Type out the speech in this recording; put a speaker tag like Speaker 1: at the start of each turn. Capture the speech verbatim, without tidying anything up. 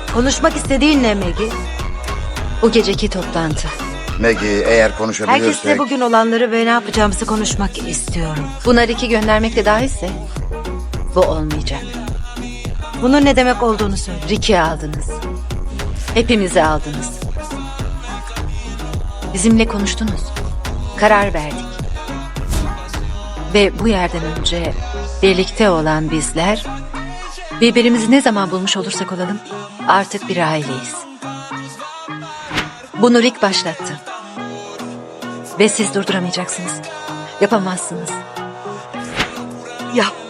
Speaker 1: Konuşmak istediğin ne Maggie?
Speaker 2: Bu geceki toplantı.
Speaker 3: Maggie, eğer konuşabilirsek...
Speaker 1: Herkesle bugün olanları ve ne yapacağımızı konuşmak istiyorum.
Speaker 2: Buna Rick'i göndermek de dahilse bu olmayacak.
Speaker 1: Bunun ne demek olduğunu söyle.
Speaker 2: Rick'i aldınız. Hepimizi aldınız. Bizimle konuştunuz. Karar verdik. Ve bu yerden önce birlikte olan bizler birbirimizi ne zaman bulmuş olursak olalım artık bir aileyiz. Bunu Rick başlattı. Ve siz durduramayacaksınız. Yapamazsınız.
Speaker 1: Yap.